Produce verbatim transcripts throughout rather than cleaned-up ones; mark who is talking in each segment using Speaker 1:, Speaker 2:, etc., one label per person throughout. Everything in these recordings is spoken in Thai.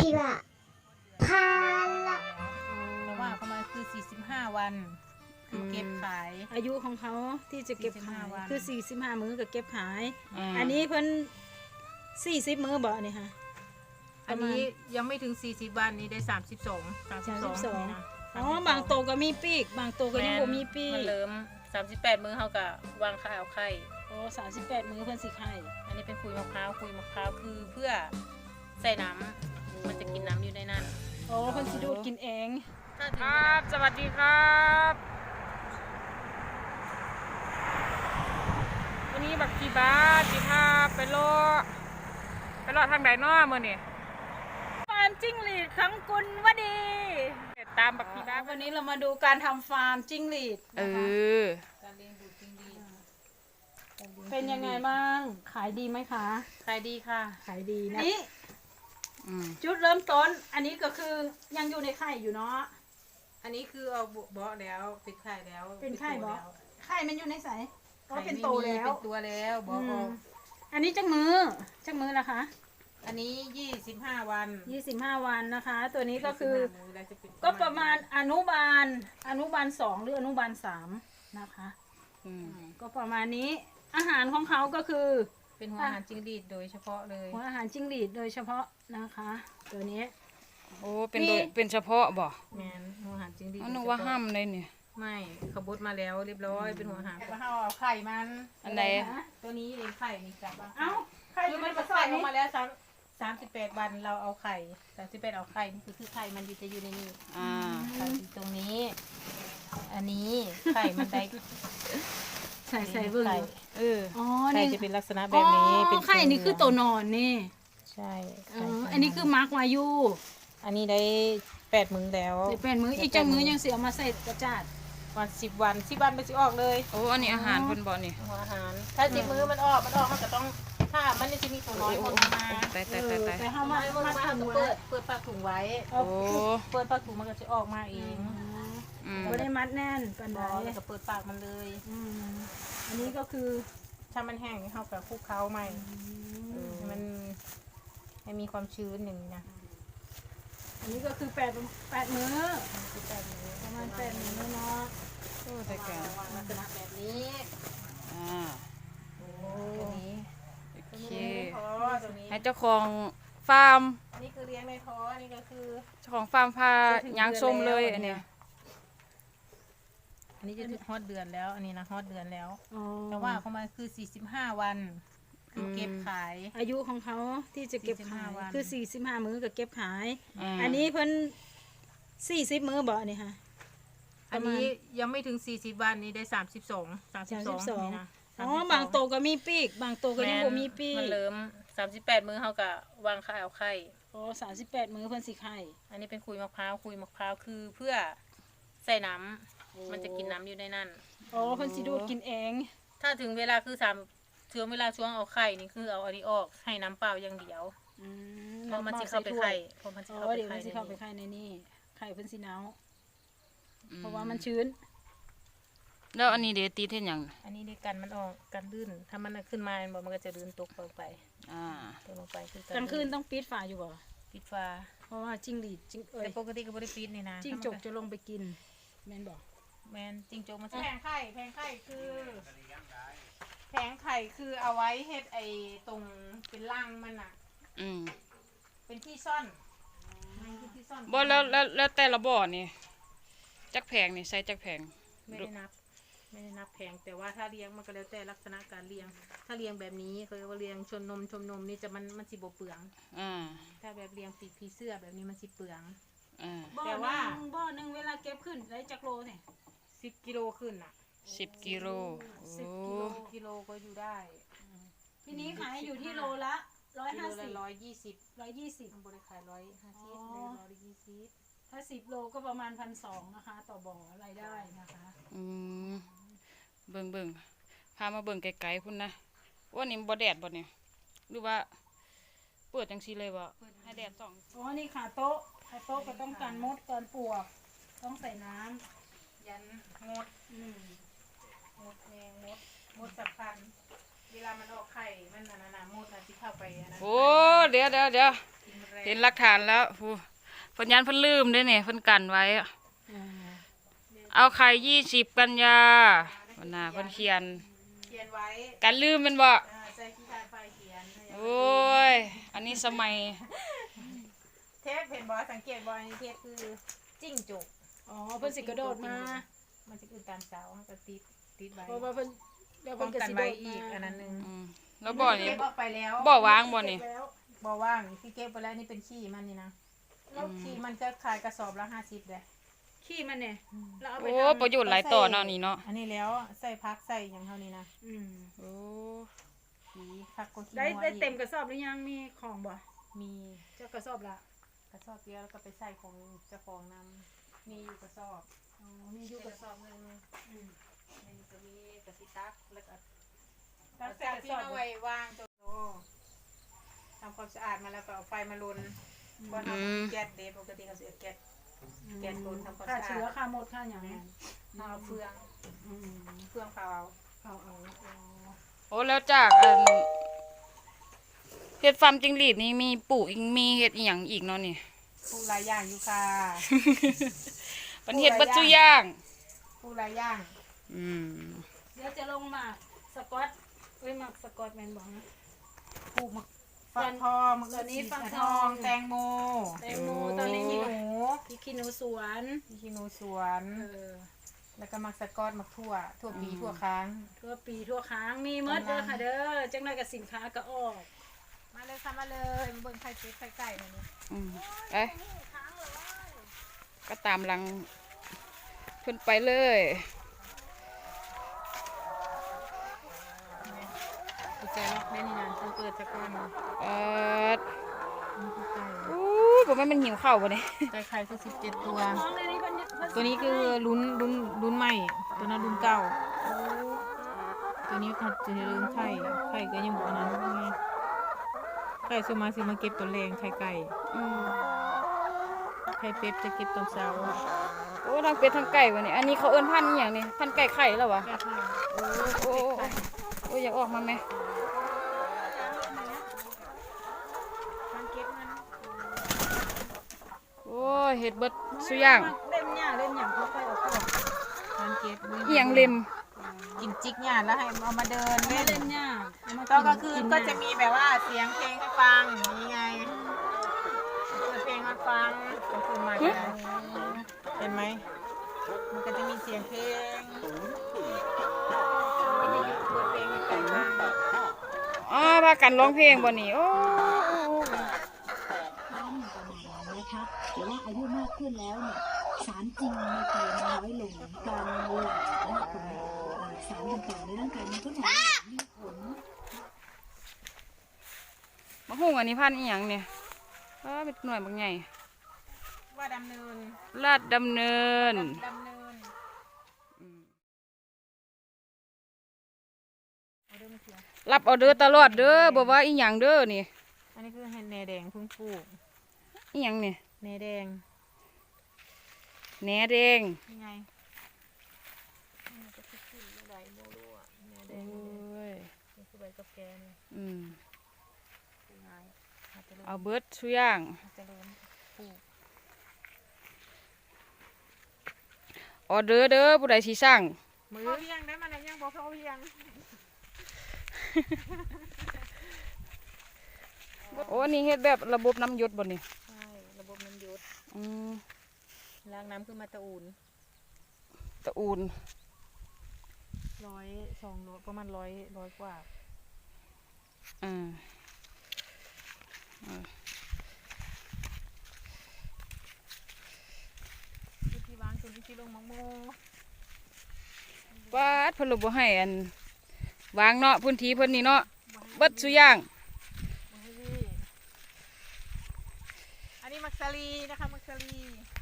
Speaker 1: はพาละ
Speaker 2: แต่ว่าเขามาคือสี่สิบห้าวันคือเก็บขาย
Speaker 3: อายุของเขาที่จะเก็บขาย
Speaker 2: สี่สิบห้าวัน
Speaker 3: คือสี่สิบห้ามื้อก็เก็บขาย
Speaker 4: อืม
Speaker 3: อันนี้เพิ่นสี่สิบมื้อบ่นี่ค่ะ
Speaker 2: อันนี้ยังไม่ถึงสี่สิบวันนี้ได้สามสิบสอง สามสิบสอง
Speaker 3: สามสิบสอง
Speaker 2: นี่นะ
Speaker 3: อ๋อบางโตก็มีปีก บางโตก็ยังบ่มีปี
Speaker 2: มัน
Speaker 3: ก
Speaker 2: เริ่มสามสิบแปดมื้อเขาก็วางข้าวไข่
Speaker 3: อ๋อสามสิบแปดมื้อเพิ่นสิไข่
Speaker 2: อันนี้เป็นคุยมะพร้าวคุยมะพร้าวคือเพื่อใส่น้ำมันจะกินน้ำอยู่ในนั้น
Speaker 3: อ๋อเพิ่นสิดูดกินเอง
Speaker 2: ถ้าถึ
Speaker 4: ค
Speaker 2: ง
Speaker 4: รับสวัสดีครับวันนี้บักกีบาจีพาไปโลไปโลทางไหนน้อมื่อนี่
Speaker 3: ฟาร์มจิ้งหรีดของกุลวดี
Speaker 4: ตามบักกีบา
Speaker 3: วันนี้เรามาดูการทำฟาร์มจิ้งหรีด
Speaker 4: เอ
Speaker 3: นะคะ
Speaker 4: อ
Speaker 2: การเลี้ยงดูจริงดี
Speaker 3: เป็นยังไงบ้าง ขายดีไหมคะ
Speaker 2: ขายดีค่ะ
Speaker 3: ขายดีนะนี่
Speaker 4: อืม
Speaker 3: จุดเริ่มต้น อันนี้ก็คือยังอยู่ในไข่อยู่เนาะ
Speaker 2: อันนี้คือเอาเบาะแล้วเป็นไข่แล้ว
Speaker 3: เป็นไข่บ่
Speaker 2: แล้ว
Speaker 3: ไข่มันอยู่ในใสก็
Speaker 2: ไข่
Speaker 3: เป็น
Speaker 2: ไม่
Speaker 3: โต
Speaker 2: มี
Speaker 3: แล้ว
Speaker 2: เป็นตัวแล้วเบาะออก
Speaker 3: อันนี้จักมือจักมือละคะ
Speaker 2: อันนี้ยี่สิบห้าวัน
Speaker 3: ยี่สิบห้าวันนะคะ ตัวนี้ก็คือ
Speaker 2: ยี่สิบห้ามื้แล้วจเป็น
Speaker 3: ก็ประมาณอนุบาล อนุบาลสองหรืออนุบาลสามนะคะ
Speaker 4: อืม
Speaker 3: ก็ประมาณนี้ อาหารของเขาก็คือ
Speaker 2: เป็นหัวอาหารจิ้งหรีดโดยเฉพาะเลย
Speaker 3: หัวอาหารจิ้งหรีดโดยเฉพาะนะคะ ตัวนี้
Speaker 4: โอ้เป็นโดยเป็นเฉพาะบ่
Speaker 2: แมนหัวอาหารจิ้งหรีด
Speaker 4: อันนึกว่าห้ามเลยเนี่ย
Speaker 2: ไม่ขบดมาแล้วเรียบร้อยเป็นหัวอาหารแล้วเอาไข่มัน
Speaker 4: อันไหน
Speaker 2: ตัวนี้เองไข่นี่กลับบ้าง
Speaker 3: เอ้าไข่
Speaker 2: คือ
Speaker 3: มั
Speaker 2: มัน น
Speaker 3: ก็
Speaker 2: ก็
Speaker 3: ใส่
Speaker 2: ไข่อ
Speaker 3: นี่
Speaker 2: อกมาแล้วสามสามสิบแปดวันเราเอาไข่สามสิบแปดเอาไข่นี่คือคือไข่มันอยู่จะอยู่ในนี้
Speaker 4: อ่า
Speaker 2: ไข่อยู่ตรงนี้ อันนี้ไข่มันได้
Speaker 3: ใส่ใส่เบิ่ง
Speaker 2: ไข่
Speaker 4: เออ
Speaker 3: อ๋อ
Speaker 2: ไข่
Speaker 3: นี่
Speaker 2: จะเป็นลักษณะแบบนี้
Speaker 3: อ๋อ
Speaker 2: เป็น
Speaker 3: ไข่นี่คือตัวนอนนี่
Speaker 2: ใช่
Speaker 3: เอ
Speaker 2: ไข่
Speaker 3: ออันนี้คือมาร์กวายุ
Speaker 2: อันนี้ได้แปดมื้อแล้ว
Speaker 3: เดี๋ยวเป็นมืออีกจังมือยังเสียมาใส่กระจาด
Speaker 2: วันสิบวันสิบวันไปสิออกเลย
Speaker 4: โอ้อันนี้อาหารเพิ่นบ่นี่
Speaker 2: หัวอาหาร ถ้าสิบมื้อมันออกมันออกมันก็ต้องถ้ามันจะมีตัวน้อยคนมา
Speaker 4: ตายตายตายตาย
Speaker 3: แต่เขา
Speaker 2: มา
Speaker 3: มา
Speaker 2: มา
Speaker 3: มา
Speaker 2: มา
Speaker 3: ทำ
Speaker 2: เปิ
Speaker 3: ไว้
Speaker 2: ดเปิดปากถุงไว้
Speaker 4: โอ้
Speaker 2: เปิดปากถุงมันก็จะออกมาเอง
Speaker 4: อืม
Speaker 3: ไม่ได้มัดแน่นปัน
Speaker 2: บ
Speaker 3: ได
Speaker 2: อแล้วก็เปิดปากมันเลย
Speaker 3: อืมอันนี้ก็คือ
Speaker 2: ถ้ามันแห้งเข้ากับคลุกเคล้าใหม่ให้มันให้มีความชื้นอย่างนี้นะ
Speaker 3: อันนี้ก็คือแปดแปดมื้อ
Speaker 2: คือแปดมื้อ
Speaker 3: ประมาณแปดมื้อเนาะ
Speaker 4: โอ้แต่แก
Speaker 2: วางลักษณะแบบนี้
Speaker 4: อ่า
Speaker 2: ตัวนี้
Speaker 4: โอ
Speaker 2: ตัว
Speaker 4: เค
Speaker 2: นี้ในท้อตัวนี้
Speaker 4: ให้เจ้าของฟาร์ม
Speaker 2: อันนี้คือเลี้ยงในท้ออันนี้ก็คือ
Speaker 4: เจ้าของฟาร์มพายางส้มเลยอันเนี้ย
Speaker 2: อันนี้จะถึงฮอดเดือนแล้ว อันนี้นะฮอดเดือนแล้ว
Speaker 3: อ๋อ
Speaker 2: แต่ว่าเขามาคือสี่สิบห้าวันคือเก็บขาย
Speaker 3: อายุของเขาที่จะเก็บขาย
Speaker 2: สี่สิบห้าวัน
Speaker 3: คือสี่สิบห้ามื้อก็เก็บขาย
Speaker 4: ม
Speaker 3: อันนี้เพิ่นสี่สิบมื้อบ่นี่ค่ะ
Speaker 2: อันนี้ยังไม่ถึงสี่สิบวันนี้ได้สามสิบสอง สามสิบสอง
Speaker 3: สามสิบสอง
Speaker 2: นี่นะ
Speaker 3: อ๋อบางโตก็มีปีก บางโตก็ยังบ่มีปี
Speaker 2: มัน
Speaker 3: ก
Speaker 2: เริ่มสามสิบแปดมื้อเขาก็วางข้าวไข่
Speaker 3: อ๋อสามสิบแปดมื้อเพิ่นสิไข่
Speaker 2: อันนี้เป็นคุยมะพร้าวคุยมะพร้าวคือเพื่อใส่น้ำมันจะกินน้ำอยู่ในนั้น
Speaker 3: อ๋อเพิ่นสิดูดกินเอง
Speaker 2: ถ้าถึงเวลาคือสามถึงเวลาช่วงเอาไข่นี่คือเอาอันนี้ออกให้น้ำเปล่าอย่างเดียว
Speaker 3: อืม
Speaker 2: เพราะมันจะเข้าไปไข่เพราะมันจะ
Speaker 3: อ๋
Speaker 2: เข้า
Speaker 3: อ
Speaker 2: ไป
Speaker 3: เดี๋ยว
Speaker 2: ไข่
Speaker 3: มันสิ
Speaker 2: ใน
Speaker 3: เข้าไป
Speaker 2: นี้
Speaker 3: ไข่ในนี่ไข่เพิ่นสิหนาว
Speaker 4: อืม
Speaker 3: เพราะว่ามันชื้น
Speaker 4: แล้วอันนี้เดี๋ยวตีเท่นหยัง
Speaker 2: อันนี้ในกันมันออกกันลื่นถ้ามันขึ้นมามันบอกมันก็จะลื่นตกลงไป
Speaker 4: อ่า
Speaker 2: ตกลงไปคือก
Speaker 3: ลางคืนต้องปิดฝาอยู่บ่
Speaker 2: ปิดฝา
Speaker 3: เพราะว่าจิ้งหรีดจิ้งเอ้ย
Speaker 2: แต่ปกติก็บริปิดนี่นะ
Speaker 3: จิ้งจกจะลงไปกินแม่นบ่
Speaker 2: แมนจิ้งจกมันแผงไข่แผงไข่คือแผงไข่คือเอาไว้เฮ็ดไอ้ตรงเป็นรังมันอ่ะ
Speaker 4: อืม
Speaker 2: เป็นที่ซ่อนมันคือที่ซ่อน
Speaker 4: บ่แล้วแล้วแล้วแต่ละบ่อนี่จักแพงนี่ใส่จักแพง
Speaker 2: ไม่ได้นับ ไม่ได้นับแผงแต่ว่าถ้าเลี้ยงมันก็แล้วแต่ลักษณะการเลี้ยง ถ้าเลี้ยงแบบนี้เขาเรียกว่าเลี้ยงชนนมชมนมนี่จะมันมันสิบ่เปลือง
Speaker 4: อ่า
Speaker 2: ถ้าแบบเลี้ยงปีกผีเสื้อแบบนี้มันสิเปลือง
Speaker 4: อ่า
Speaker 3: บ่อ
Speaker 2: แต่
Speaker 3: ห
Speaker 2: ว่า
Speaker 3: นึงบ่อหนึงเวลาเก็บขึ้นได้จักโลเนี่ย
Speaker 2: สิบกิโลขึ้นอ่ะ
Speaker 4: สิบกิโล
Speaker 3: สิบ
Speaker 4: โอ้
Speaker 3: กิโล
Speaker 2: กิโลก็อยู่ได้
Speaker 3: ทีนี้ขายอยู่ที่โลละร้อย
Speaker 2: กิโล
Speaker 3: ห้า
Speaker 2: ละ
Speaker 3: สิบ
Speaker 2: ร้อยยี่สิบ
Speaker 3: ร้อยยี่สิบ
Speaker 2: บริขายร้อยห้าสิบ
Speaker 3: อ๋อ
Speaker 2: ได้ร้อยยี่สิบ
Speaker 3: ถ้าสิบโลก็ประมาณพันสองนะคะ ต่อบ่อรายได้นะคะ
Speaker 4: อืมเบิ่งเบิ่งพามาเบิ่งไกลๆพุ่นนะว่านี่บ่แดดบ่เนี่ยหรือว่าเปิดจังซี่เลยบ่ให้แดดส่อง
Speaker 3: อ๋อนี่ขาโต๊ะขาโต๊ะก็ต้องการมดการปลวก ต้องใส่น้ำ
Speaker 2: ยันงด
Speaker 3: อืม
Speaker 2: งดแมงงดงดสำคัญเวลามันออกไข่มันน่ะนะนะมดน่ะที่เข้าไปอันนั้น
Speaker 4: โอ้เดี๋ยวเดี๋ยวเดี๋ยว
Speaker 2: กินแมลง
Speaker 4: เห็นหลักฐานแล้วผู้เพิ่นยันเพิ่นลืมเด้เนี่ยเพิ่นกันไว้อะ
Speaker 3: อ่า
Speaker 4: เอาไข่ยี่สิบกันยาวันน่ะเพิ่นเขียน
Speaker 2: เขียนไว้
Speaker 4: กันลืมเป็นบ่
Speaker 2: เออใส่ขี้ทานไฟเขียน
Speaker 4: โอ้ยอันนี้สมัย
Speaker 2: เทปเห็นบอสังเกตบออันนี้เทปคือจิ้งจก
Speaker 3: อ๋อเพิ่นสิกระโดดมา
Speaker 2: มันจะคือตามเสามันจะติดติดไว้
Speaker 3: เพราะว่าเพิ่นเดี๋ยว
Speaker 2: ป้
Speaker 3: เพิ่
Speaker 2: อน ง
Speaker 3: ก็
Speaker 2: กัน
Speaker 3: สิโด
Speaker 2: ไว้
Speaker 3: ด
Speaker 2: อีกอันนั้นหนึง
Speaker 4: อืมแล้วบ่อนี่
Speaker 2: เก็บออกไปแล้ว
Speaker 4: บ่อวางบ่นี่
Speaker 3: แล้ว
Speaker 2: บ่ว่างที่เก็บไปแล้วนี่เป็นขี้มันนี่นะแล้วขี้มันจะขายกระสอบละห้าสิบเลย
Speaker 3: ขี้มันเนี่ยเราเอาไป
Speaker 4: โอ้
Speaker 3: ทำ
Speaker 4: ประโยชน์หลายต่อเนาะนี่เนาะ
Speaker 2: อันนี้แล้วใส่พักใส่อย่างเท่านี้นะ
Speaker 3: อืม
Speaker 4: โอ้
Speaker 2: สีพักก็ขี้
Speaker 3: ได้
Speaker 2: งัว
Speaker 3: ได้
Speaker 2: อีก
Speaker 3: เต็มกระสอบหรือยังมีของบ่
Speaker 2: มี
Speaker 3: เจ้ากระสอบละ
Speaker 2: กระสอบเดียวแล้วก็ไปใส่ของเจ้าของนำมีอยู่กระสอบ
Speaker 3: อ๋อมีอ
Speaker 2: อยู่ ยู่
Speaker 3: ก
Speaker 2: ก
Speaker 3: ระ
Speaker 2: ระ
Speaker 3: ส
Speaker 2: ส
Speaker 3: อบ
Speaker 2: อบหนึง
Speaker 3: อืม
Speaker 2: ในนี้ก็มีกระสิตักแล้วก็
Speaker 3: ตั
Speaker 2: เอา
Speaker 3: กใส่
Speaker 2: จาก
Speaker 3: กระ
Speaker 2: ที่
Speaker 3: สอบ
Speaker 2: เอาไว้วางจนโอ้ทำความสะอาดมาแล้วก็เอาไฟมาลนก่อนเอาแก๊สเดปกติเขาเสียแก๊ส แกนโดนทำความ
Speaker 3: ค่า
Speaker 2: สะอาด
Speaker 3: เชื้อค่าหมดค่าอย่างนี้
Speaker 2: เอาเอาเฟือง
Speaker 3: อืม
Speaker 2: เฟืองเผาเอา
Speaker 3: เอาเอาเอา
Speaker 4: โอ้แล้วจากอันเฮ็ดฟาร์มจิ้งหรีดนี่มีปลูกอีกมีเฮ็ดอีหยังอีกเนาะนี่
Speaker 2: ปลูกหลายอย่างอยู่ค่ะ
Speaker 4: มันเฮ็ดเบัดซุอย่าง
Speaker 2: ปลูกหลายอย่าง
Speaker 4: อืม
Speaker 3: เดี๋ยวจะลงหมากสกอตเอ้ยหมากสกอตแมนบอกนะ
Speaker 2: ปลูกมะฟักทองมะ
Speaker 3: ตอนนี้ฟัก
Speaker 2: ก
Speaker 3: ทอง
Speaker 2: แตงโม
Speaker 3: แตงโมตอนนี้
Speaker 2: ขี้
Speaker 3: ขี้
Speaker 2: ห
Speaker 3: หนู
Speaker 2: นู
Speaker 3: พริกขี้หนูสวน
Speaker 2: ขี้หนูสวน
Speaker 3: เออ
Speaker 2: แล้วก็มักสะกอตมักทั่ว ทั่วปีทั่วค้าง
Speaker 3: ทั่วปีทั่วค้างมีหมดเด้อค่ะเด้อจังไรกับสินค้าก็ออก
Speaker 2: มาเลยค่ะมาเลยมาเบิ่งไข่เป็ดไข่ไก่มาเลย
Speaker 4: อืมเอ้ยก็ตามหลังเพิ่นไปเลย
Speaker 2: กุญแจล็อกได้นี่นานต้องเปิดสักก้อน
Speaker 4: เอ่อ
Speaker 2: นี่คือไก่
Speaker 4: อู้บ่แม่นมันหิวข้าวบ่เนี่ย
Speaker 2: ไก่ไข่คือสิบเจ็ดตัว
Speaker 3: น้องในนี้เพิ่นเพิ่น
Speaker 2: ตัวนี้คือลุ้นลุ้นลุ้นใหม่ ตัวนั้นลุ้นเก่า ตัวนี้เขาจะลืมไข่ ไข่ก็ยังบอกนั้นไงไข่สวนมาสิมาเก็บตัวแรงไข่ไก่
Speaker 4: อืม
Speaker 2: ไข่เป็ดจะเก็บตอนเช้า
Speaker 4: โอ้ทั้งเป็ดทั้งไก่บ่นี่อันนี้เขาเอิ้นพันธุ์อีหยังนี่พันธุ์ไก่ไข่แล้ววะ
Speaker 2: แก้ไข่
Speaker 4: โอ้โอ้โอ้โอ้อยากออกมาไหม
Speaker 2: มันเก็บมัน
Speaker 4: โอ้ยเฮ็ดเบิดซุอย่าง
Speaker 3: เล่นหญ้าเล่นหยังเขาไปเอาเข้า
Speaker 2: มันเก็บ
Speaker 4: อีหยังเล็ม
Speaker 2: กินจิกหยาดแล้วให้เอามาเดิน
Speaker 3: ไม่
Speaker 2: เล่น
Speaker 3: เล่นหญ้าเอามา
Speaker 2: ตอนกลาง
Speaker 3: น
Speaker 2: คืน
Speaker 3: น
Speaker 2: ก็จะมีแบบว่าเสียงเพลงให้ฟังนี่ไงเปิดเพลงให้ฟังกลางคืนมาจะได้เห็นไหมมันก็จะมีเสียงเพลงเปิดเพลงให้ไก่ฟัง
Speaker 4: อ๋อพากันร้องเพลงบ่นี่โอ้
Speaker 5: นะคะแต่ว่าอายุมากขึ้นแล้วเนี่ยสารจริงในไตมันน้อยลงการหลั่งของสารต่างๆในร่างกายมันก็น้อยลงมีผล
Speaker 4: มะฮุ่งอันนี้พันธุ์อีหยังเนี่ยอ้าเป็นหน่วยบางใหญ่
Speaker 2: ว่าดำเนิน
Speaker 4: ลาดดำเนิน
Speaker 2: ดำเนิน
Speaker 4: อืม
Speaker 2: เอาเดิมเสียง
Speaker 4: รับออเดอร์ตลอดเด้อบ่ว่าอีหยังเด้อนี่
Speaker 2: อันนี้คือเห็ดแหนแดงเพิ่งปลูก
Speaker 4: อีหยังนี่
Speaker 2: แหนแดง
Speaker 4: แหนแดง
Speaker 2: นี่ไงมันจะขึ้นขึ้นไม่ได้โมรู้อ่ะแหนแด
Speaker 4: โอ้
Speaker 2: ง
Speaker 4: ย
Speaker 2: นี่คือใบกับแกน
Speaker 4: อืม
Speaker 2: ยังไงอาจจะเริ่ม
Speaker 4: เอาเบิดซุอย่าง
Speaker 2: อาจจะเริ่มปลูก
Speaker 4: ออเดอร์เด้อผู้ใดสิสั่ง
Speaker 2: มือเพียงได้มันยังบอกเขาเพียง
Speaker 4: โอ้อันนี้เฮ็ดแบบระบบน้ำหยดบ่นี่
Speaker 2: ใช่ระบบน้ำหยศ
Speaker 4: อืม
Speaker 2: ล้างน้ำคือมาตะอูน
Speaker 4: ตะอูน
Speaker 2: ร้อยสองร้อยประมาณร้อยร้อยกว่า
Speaker 4: อ่า
Speaker 2: ที่ที่วางตัวนี้ที่ลงมังโม
Speaker 4: ปาดเพิ่นเลยบ่ให้อันวางเนาะพื้นที่เพิ่นนี่เนาะเบิดซุอย่าง
Speaker 2: มาให้พี่อันนี้มักซาลีนะคะมักซาลี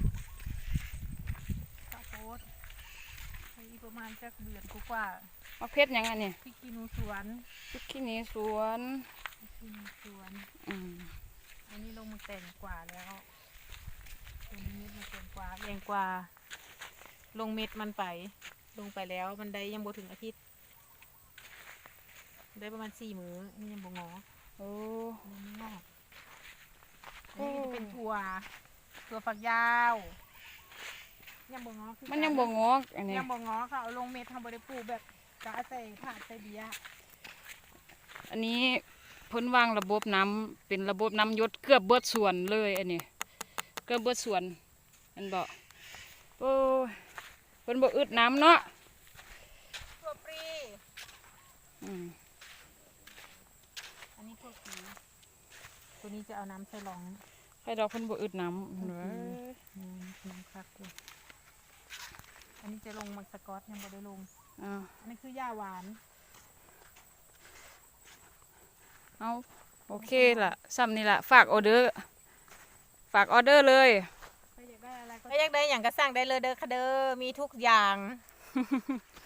Speaker 2: ข้าวโพดให้อีกประมาณสักเดือนกว่า
Speaker 4: มักเพชรหยังอันนี้
Speaker 2: ๆพริกขี้หนูสวน
Speaker 4: พริกขี้หนีสวน
Speaker 2: พริกขี้หนูสวน
Speaker 4: อืม
Speaker 2: อันนี้ลงมาแต่งกว่าแล้วตัวนี้เม็ดมันแต่งกว่าแรงกว่า ลงเม็ดมันไป ลงไปแล้วมันได้ยังบ่ถึงอาทิตย์ ได้ประมาณสี่มื้อนี่ยังบ่งอ
Speaker 4: โอ้
Speaker 2: ยังไม่งอก
Speaker 4: โอ้
Speaker 2: อันเป็นถั่วถั่วฝักยาวยังบ่งอคือ
Speaker 4: มันยังบ่งอกอันนี้
Speaker 2: ยังบ่งอค่ะเอาลงเม็ดทำบ่ได้ปลูกแบบกะใส่ถาดใส่เบียร์
Speaker 4: อันนี้เพิ่นวางระบบน้ำเป็นระบบน้ำหยศเกือบเบิดสวนเลยอันนี้เกือบเบิดสวนอันบ่โอ้ยเพิ่นบ่อึดน้ำเนาะ
Speaker 2: ถั่วปรี
Speaker 4: อืม
Speaker 2: อันนี้ถั่วปรีตัวนี้จะเอาน้ำใส่รอง
Speaker 4: ใครดอกเพิ่นบ่อึดน้ำเด้อ
Speaker 2: อืมน้ำคักเลยอันนี้จะลงมักสกอตยังบ่ได้ลง
Speaker 4: อ่า
Speaker 2: อันนี้คือย่าหวาน
Speaker 4: เอาโอเคล่ะซ้ำนี่ล่ะฝากออเดอร์ฝากออเดอร์เลย
Speaker 2: ใครอยากได้อะไรก็อยากได้อย่างก็สั่งได้เลยเด้อค่ะเด้อมีทุกอย่าง